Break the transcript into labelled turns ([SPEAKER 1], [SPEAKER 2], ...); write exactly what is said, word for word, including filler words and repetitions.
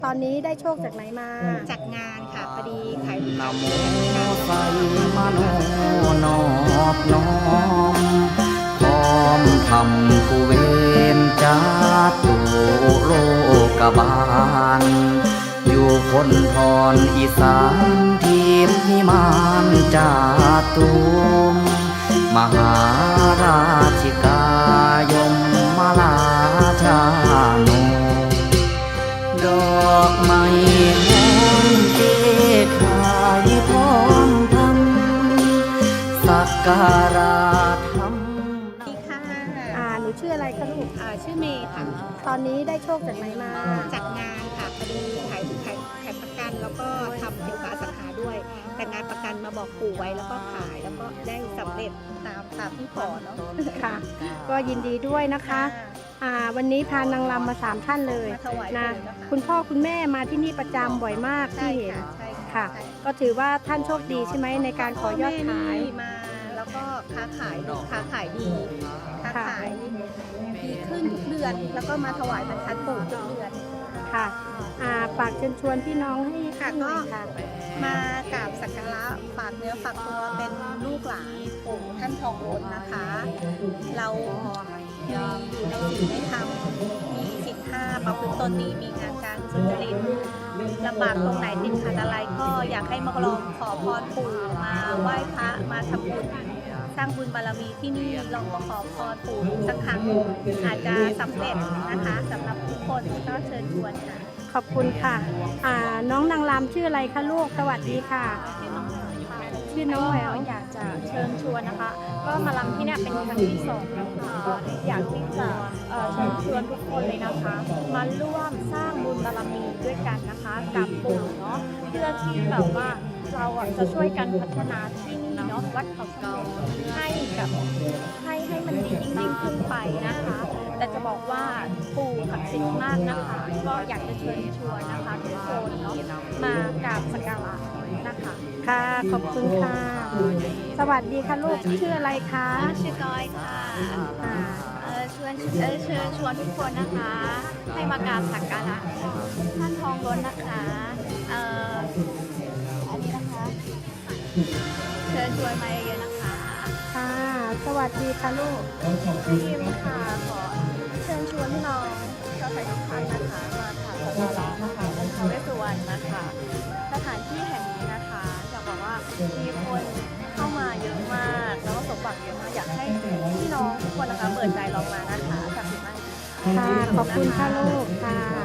[SPEAKER 1] ตอนนี้ได้โชคจากไหนมา
[SPEAKER 2] จากงานค่ะพอดีขาย
[SPEAKER 3] นะโมใส่มโนนอบน้อมพร้อมทำกุเวนจาตุโลกบาลอยู่คนทอนอีสานทีมพิมานจาตุมมหาราชิกายมมาลาชาโนดอกไม้หอมเกขายพร้อมทำสักการะทำ
[SPEAKER 2] ดีค่ะ
[SPEAKER 1] อ่าหนูชื่ออะไรคะลูก
[SPEAKER 2] อ่าชื่อเมย์ค่ะ
[SPEAKER 1] ตอนนี้ได้โชคจากไหนมา
[SPEAKER 2] จากงานค่ะพอดีขายขายขายประกันแล้วก็ทำสินค้าอสังหาด้วย แต่งานประกันมาบอกปู่ไว้แล้วก็ขายแล้วก็ได้สำเร็จตามตามที่ขอเนาะ
[SPEAKER 1] ค่ะ ก็ยินดีด้วยนะคะอ่าวันนี้พานางรำมาสามท่านเลย
[SPEAKER 2] มาถวาย
[SPEAKER 1] นะ
[SPEAKER 2] ปู่นะคะ
[SPEAKER 1] คุณพ่อคุณแม่มาที่นี่ประจำบ่อยมาก
[SPEAKER 2] ใช่
[SPEAKER 1] ที่เห็น
[SPEAKER 2] ค่ะใช่
[SPEAKER 1] ค่ะ
[SPEAKER 2] ใช่
[SPEAKER 1] ก็ถือว่าท่านโชคดีใช่ไหมในการขอยอดขาย
[SPEAKER 2] พ่อแม่นี่มาแล้วก็ค้าขายค้าขายดีค้าขายดีขึ้นทุกเดือน แล้วก็มาถวายบรรทัดปู่ทุกเดือน
[SPEAKER 1] ค่ะอ่าฝากเชิญชวนพี่น้องให้
[SPEAKER 2] ค่ะ
[SPEAKER 1] หน่อย
[SPEAKER 2] ก็
[SPEAKER 1] ค่ะ
[SPEAKER 2] มากราบสักการะฝากเนื้อฝากตัวเป็นลูกหลานปู่ท่านทองล้นนะคะ เรามีอยู่ในศีลในธรรมมีศีลห้าประพฤติตนดีมีงานการสุจริตลำบากตรงไหนติดขัดอะไรก็อยากให้มาลองขอพรปู่มาไหว้พระมาทำบุญสร้างบุญบารมีที่นี่ลองมาขอพรปู่สักครั้งอาจจะสำเร็จนะคะสำหรับทุกคนก็เชิญชวนค่ะ
[SPEAKER 1] ขอบคุณค่ะอ่าน้องนางรำชื่ออะไรคะลูกสวัสดีค่ะ ชื่อน้องแหวว
[SPEAKER 4] อยากจะเชิญชวนนะคะ ก็มาลำที่เนี่ยเป็นครั้งที่สองนะคะก็อยากที่จะเอ่อเชิญชวนทุกคนเลยนะคะ มาร่วมสร้างบุญบารมีด้วยกันนะคะกับปู่เนาะเพื่อที่แบบว่าเราอ่ะจะช่วยกันพัฒนาที่นี่เนาะวัดเขาสมเด็จให้แบบให้ให้มันดียิ่งยิ่งขึ้นไปนะคะ แต่จะบอกว่าปู่ศักดิ์สิทธิ์มากนะคะ ก็อยากจะเชิญชวนนะคะทุกคนเนาะมากราบสักการะนะคะ
[SPEAKER 1] ค่ะ ขอบคุณค่ะ สวัสดีค่ะลูกชื่ออะไรคะ
[SPEAKER 4] ชื่อก้อยค่ะ
[SPEAKER 1] อ่า
[SPEAKER 4] เอ่อชวนเอ่อเชิญชวนทุกคนนะคะ ให้มากราบสักการะท่านทองล้นนะคะเอ่ออันนี้นะคะ เชิญชวนมาเยอะๆนะคะ
[SPEAKER 1] ค่ะ สวัสดีค่ะลูก
[SPEAKER 4] ทีมค่ะขอเชิญชวนพี่น้องชาวไทยทุกท่านนะคะ มากราบสักการะนะคะองค์ท้าวเวสสุวรรณนะคะ สถานที่แห่งนี้นะคะอยากบอกว่ามีคนเข้ามาเยอะมากแล้วก็สมหวังเยอะมากอยากให้พี่น้องทุกคนนะคะเปิดใจลองมานะคะศักดิ์สิทธิ์มากจริงๆ
[SPEAKER 1] ค่ะ ขอบคุณค่ะลูก ค่ะ